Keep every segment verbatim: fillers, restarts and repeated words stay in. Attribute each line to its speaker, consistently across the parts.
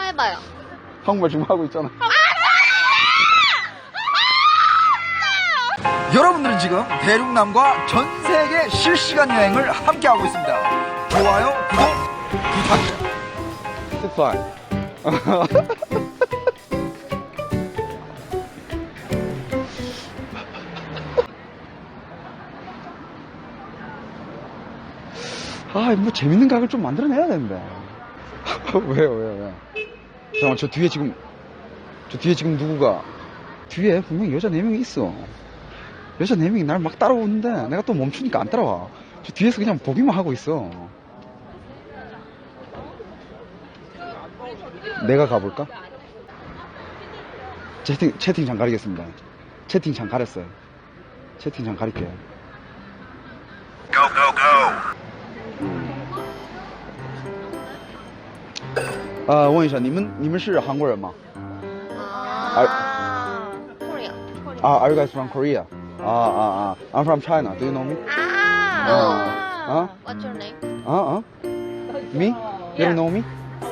Speaker 1: 해봐요.
Speaker 2: 한국말 지금 하고 있잖아. 여러분들은 지금 대륙남과 전 세계 실시간 여행을 함께하고 있습니다. 좋아요, 구독 부탁드려요. 아, 뭐 재밌는 각을 좀 만들어내야 되는데. 왜요, 왜요, 왜요? 잠깐만, 저 뒤에 지금, 저 뒤에 지금 누구가, 뒤에 분명히 여자 네 명이 있어. 여자 네 명이 날 막 따라오는데, 내가 또 멈추니까 안 따라와. 저 뒤에서 그냥 보기만 하고 있어. 내가 가볼까? 채팅, 채팅창 가리겠습니다. 채팅창 가렸어요. 채팅창 가릴게요.
Speaker 3: Go, go, go.
Speaker 2: 아, 问一下，你们你们是韩国人吗？
Speaker 1: 아, 코리아.
Speaker 2: Ah, are you guys from Korea? Ah, ah, ah. I'm from China. Do you know me?
Speaker 1: 아,
Speaker 2: Huh?
Speaker 1: What's your name?
Speaker 2: Uh, uh. Me? You don't know me?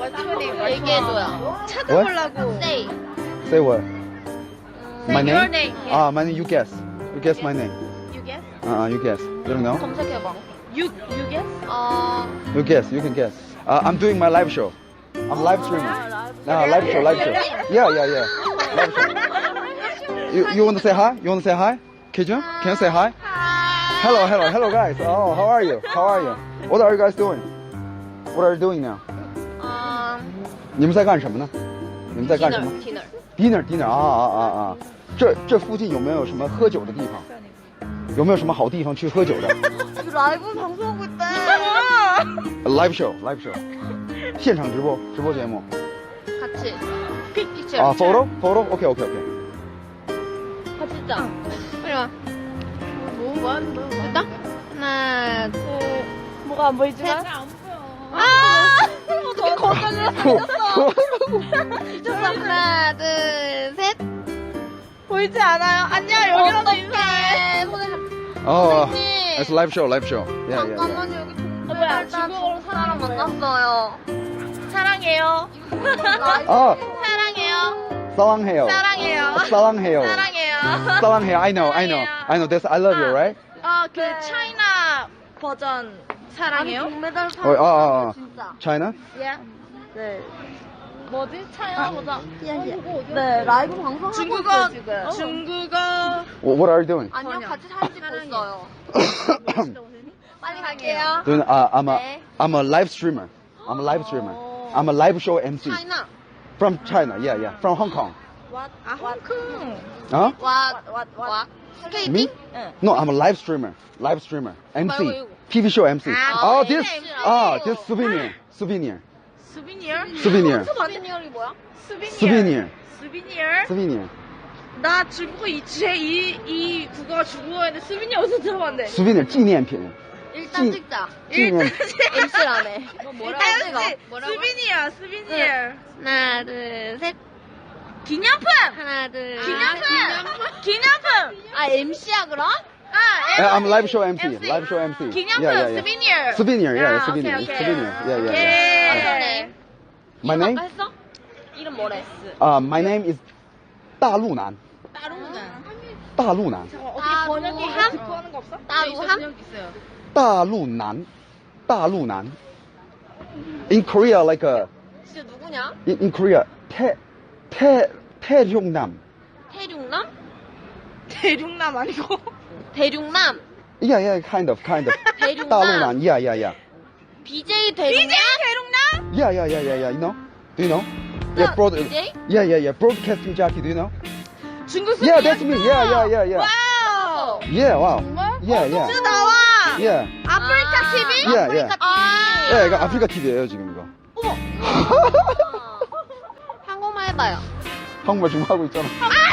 Speaker 1: 얘기해줘요.
Speaker 2: What?
Speaker 1: Say.
Speaker 2: Say what? My name?
Speaker 1: Your name.
Speaker 2: Ah, my name. You guess. You guess my name.
Speaker 1: You guess?
Speaker 2: Uh, you guess. You don't know?
Speaker 1: 검색해봐. You, you guess? 어,
Speaker 2: You guess. You can guess. Uh, I'm doing my live show. I'm live streaming. Nah, live show, live show. Yeah, yeah, yeah. Live show. You, you want to say hi? You want to say hi? Kijun? Can you say hi? Hello, hello, hello, guys. Oh, how are you? How are you? What are you guys doing? What are you doing now?
Speaker 1: 어,
Speaker 2: 你们在干什么呢？你们在干什么
Speaker 1: dinner,
Speaker 2: ？dinner
Speaker 1: dinner.
Speaker 2: dinner 啊啊啊啊！这这附近有没有什么喝酒的地方？有没有什么好地方去喝酒的
Speaker 1: 라이브 방송하고 있대.
Speaker 2: ？Live show, live show，现场直播直播节目
Speaker 1: 같이. 픽처.
Speaker 2: 啊，photo photo OK OK OK。
Speaker 1: 같이 찍자. 빨리 와. 뭐, 뭐 하는 거야? 됐다? 하나, 둘,
Speaker 4: 뭐가 안 보이지만?
Speaker 1: 아! 어떻게 거절을 하셨어? 미쳤어. 하나, 둘, 셋.
Speaker 4: 보이지 않아요? 안녕, 여기라도 인사해.
Speaker 2: 어,
Speaker 1: 선생님.
Speaker 2: it's live show, live show. Yeah, yeah, yeah.
Speaker 1: 잠깐만요, 여기
Speaker 4: 뭐야,
Speaker 1: 동물들 중국어로 사람 만났어요.
Speaker 4: 사랑해요.
Speaker 2: 아,
Speaker 1: 사랑해요.
Speaker 2: 사랑해요.
Speaker 4: 사랑해요.
Speaker 2: 사랑해요.
Speaker 4: 사랑해요.
Speaker 2: 사랑해요. I know, I know, I know. That's I love you, right?
Speaker 4: 어, 그 차이나 버전 사랑해요?
Speaker 1: 동메달
Speaker 2: 어,
Speaker 1: 사람
Speaker 2: 아, 아, 아.
Speaker 1: 진짜.
Speaker 2: China?
Speaker 4: 예. 네. 뭐지? 차이나 버전.
Speaker 1: 네, 라이브 방송하고
Speaker 4: 중국어,
Speaker 1: 있어요, 지금.
Speaker 4: 중국어.
Speaker 2: What are you doing?
Speaker 1: 아니요, 같이 사진 찍고 있어요. 빨리 갈게요.
Speaker 2: Doing, uh, I'm a,
Speaker 1: 네.
Speaker 2: I'm a live streamer. I'm a live streamer. I'm a live show M C.
Speaker 1: 차이나.
Speaker 2: From China, yeah, yeah. From Hong Kong.
Speaker 4: 아, 홍콩.
Speaker 2: Huh?
Speaker 1: 와, 와, 와. 스케이팅?
Speaker 2: Me? No, I'm a live streamer. Live streamer. M C.
Speaker 1: 말고
Speaker 2: T V show M C.
Speaker 4: 아,
Speaker 2: Oh,
Speaker 1: 네,
Speaker 2: this,
Speaker 1: 네,
Speaker 2: ah,
Speaker 1: 네.
Speaker 2: this souvenir. Souvenir.
Speaker 4: 수비니어?
Speaker 2: Souvenir.
Speaker 1: 스바니얼이 뭐야?
Speaker 4: 수비니어.
Speaker 2: Souvenir.
Speaker 4: 수비니어?
Speaker 2: Souvenir.
Speaker 4: 나 중국어 이, 제 이, 이 국어가 중국어인데 수비니어 어디서 들어봤는데?
Speaker 2: Souvenir. 纪念品.
Speaker 1: 일단
Speaker 2: 찐-
Speaker 1: 찍자.
Speaker 2: 纪念.
Speaker 1: 엠씨라네. 너 뭐라고 찍어? 뭐라고?
Speaker 4: 수비니어, 수비니어.
Speaker 1: 하나, 둘, 셋.
Speaker 4: 기념품!
Speaker 1: 하나, 둘,
Speaker 4: 기념품!
Speaker 1: 아,
Speaker 4: 기념품!
Speaker 1: 아, 엠씨야, 그럼?
Speaker 4: 아,
Speaker 2: Yeah, I'm live show M C.
Speaker 4: M C.
Speaker 2: Live show M C.
Speaker 4: 기념품,
Speaker 2: Yeah, yeah, yeah.
Speaker 4: 수비니어.
Speaker 2: Souvenir. Yeah, yeah,
Speaker 4: 아,
Speaker 2: souvenir.
Speaker 4: 오케이, 오케이.
Speaker 2: Souvenir. Yeah, yeah,
Speaker 4: 오케이.
Speaker 2: yeah.
Speaker 1: What's your name?
Speaker 2: My
Speaker 1: 이름
Speaker 2: name?
Speaker 1: 아까 했어? 이름 뭐래?
Speaker 2: Uh, my name is 大陆男.
Speaker 4: 따로는.
Speaker 2: 大陆男.
Speaker 4: 어떻게 번역기
Speaker 1: 따루함?
Speaker 4: 듣고 하는 거 없어?
Speaker 1: 따루함?
Speaker 2: 大陆男.大陆男. In Korea, like a,
Speaker 1: 진짜 누구냐?
Speaker 2: in, in Korea, 태, 태, 태룡남.
Speaker 1: 대륙남?
Speaker 4: 대륙남 아니고.
Speaker 1: 대륙남?
Speaker 2: Yeah, yeah, kind of, kind of.
Speaker 1: 대륙남?
Speaker 2: 大陆男. Yeah, yeah, yeah.
Speaker 1: 비제이 대륙남?
Speaker 4: 비제이 대륙남?
Speaker 2: Yeah, yeah, yeah, yeah, yeah. You know? Do you know? Yeah, broad,
Speaker 1: 비제이?
Speaker 2: yeah, yeah, yeah. Broadcasting jockey. Do you know?
Speaker 4: 중국
Speaker 2: Yeah, that's me. Yeah, yeah, yeah, yeah.
Speaker 4: 와우.
Speaker 2: Yeah, wow.
Speaker 1: 정말?
Speaker 2: Yeah,
Speaker 4: 또
Speaker 2: yeah.
Speaker 4: 나와.
Speaker 2: Yeah.
Speaker 4: 아프리카 티비?
Speaker 2: 예,
Speaker 1: 아프리카
Speaker 2: 예.
Speaker 1: 티비.
Speaker 2: 예, 이거 아프리카 티비예요 지금 이거.
Speaker 1: 한국말 해봐요.
Speaker 2: 한국말 지금 하고 있잖아.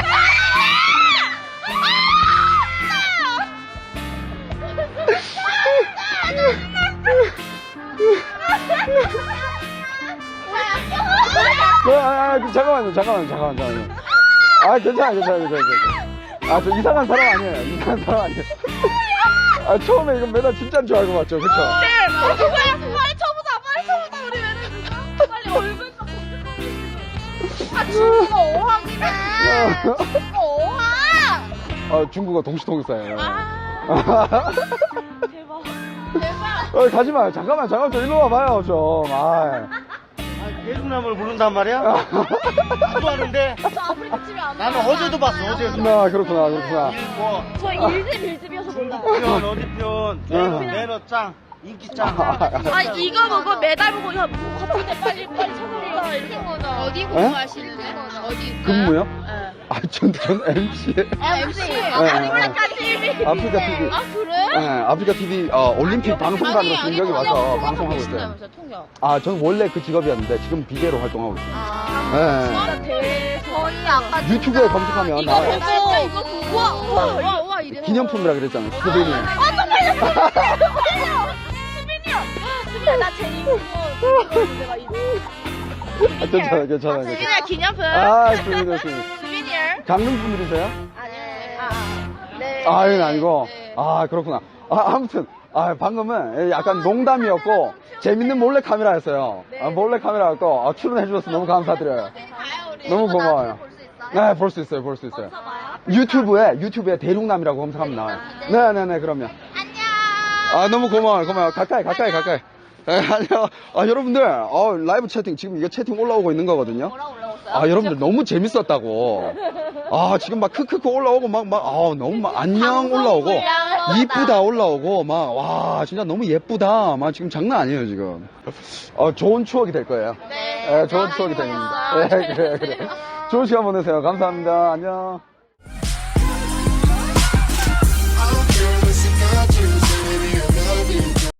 Speaker 2: 아, 아, 아, 잠깐만요, 잠깐만요, 잠깐만요, 잠깐만요. 아, 괜찮아, 괜찮아, 괜찮아, 괜찮아. 아, 저 이상한 사람 아니에요. 이상한 사람 아니에요. 아, 처음에 이거 매달 진짜인 줄 알고 왔죠, 그쵸?
Speaker 4: 네. 어, 그거야. 빨리 쳐보자. 빨리 쳐보자. 우리 매니저. 빨리 얼굴 좀 검색하고.
Speaker 1: 아, 중국어 어학이네. 중국어 어학.
Speaker 2: 아, 중국어 동시통역사예요.
Speaker 4: 아, 대박.
Speaker 1: 대박.
Speaker 2: 어, 가지 마요. 잠깐만, 잠깐만, 좀 일로 와봐요, 좀. 아,
Speaker 5: 대중남을 부른단 말이야? 나도 하는데
Speaker 1: 저 아프리카 집에 안
Speaker 5: 나는
Speaker 1: 가요.
Speaker 5: 어제도 봤어, 어제도.
Speaker 2: 나 그렇구나, 그렇구나.
Speaker 5: 일뭐
Speaker 4: 저 일집 일집이어서 몰라요.
Speaker 5: 편 어디 편 매너, 매너 짱 인기 짱.
Speaker 4: 아, 이거 보고 메달 보고, 야, 뭐 같은데 빨리, 빨리 찾아라. 이렇게.
Speaker 1: 어디 공부하시는데? 어디?
Speaker 2: 근무요?
Speaker 4: 네.
Speaker 2: 아, 전, 전 엠씨.
Speaker 1: 아, 엠씨.
Speaker 2: 아프리카
Speaker 1: 티비.
Speaker 2: 아프리카 티비.
Speaker 1: 아, 그래?
Speaker 2: 네, 아프리카 티비 어, 올림픽 방송관으로 지금 여기 와서 방송하고 있어요.
Speaker 1: 통역.
Speaker 2: 아, 저는 원래 그 직업이었는데 지금 비대로 활동하고 있어요.
Speaker 1: 아.
Speaker 2: 네.
Speaker 4: 대
Speaker 1: 저희 아까
Speaker 2: 유튜브에 검색하면
Speaker 1: 이거
Speaker 2: 나와요.
Speaker 1: 보고 진짜 이거 보고 와, 와, 와, 와 이래.
Speaker 2: 기념품이라 그랬잖아요. 스베니.
Speaker 1: 아, 정말요?
Speaker 4: 수빈이요. 수빈아, 나 제일 그거 내가 이거.
Speaker 2: 아, 괜찮아요, 괜찮아요. 괜찮아요.
Speaker 4: 수빈이야, 기념품.
Speaker 2: 아, 좋습니다, 좋습니다.
Speaker 4: 수빈이요.
Speaker 2: 강릉 분들이세요?
Speaker 1: 아니에요.
Speaker 4: 아, 네.
Speaker 2: 아, 이건 아니고.
Speaker 1: 네.
Speaker 2: 아, 그렇구나. 아, 아무튼. 아, 방금은 약간 농담이었고, 재밌는 몰래 카메라였어요. 아, 몰래 카메라였고, 아, 출연해주셔서 너무 감사드려요.
Speaker 1: 가요, 우리.
Speaker 2: 너무
Speaker 1: 이거
Speaker 2: 고마워요.
Speaker 1: 나중에 볼수 있어요?
Speaker 2: 네, 볼 수 있어요, 볼 수 있어요. 유튜브에, 유튜브에 대륙남이라고 검색하면 나와요. 네네네, 그럼요.
Speaker 1: 안녕.
Speaker 2: 아, 너무 고마워요, 고마워요. 가까이, 가까이, 가까이. 네, 안녕. 아, 여러분들, 어, 라이브 채팅, 지금 이게 채팅 올라오고 있는 거거든요.
Speaker 1: 뭐라 올라왔어요?
Speaker 2: 아, 여러분들 너무 재밌었다고. 아, 지금 막 크크크 올라오고, 막, 막, 아, 너무 막, 안녕 올라오고, 이쁘다 올라오고, 막, 와, 진짜 너무 예쁘다. 막, 지금 장난 아니에요, 지금. 어, 좋은 추억이 될 거예요.
Speaker 1: 네.
Speaker 2: 네, 좋은 추억이 됩니다. 네, 그래, 그래. 좋은 시간 보내세요. 감사합니다. 안녕.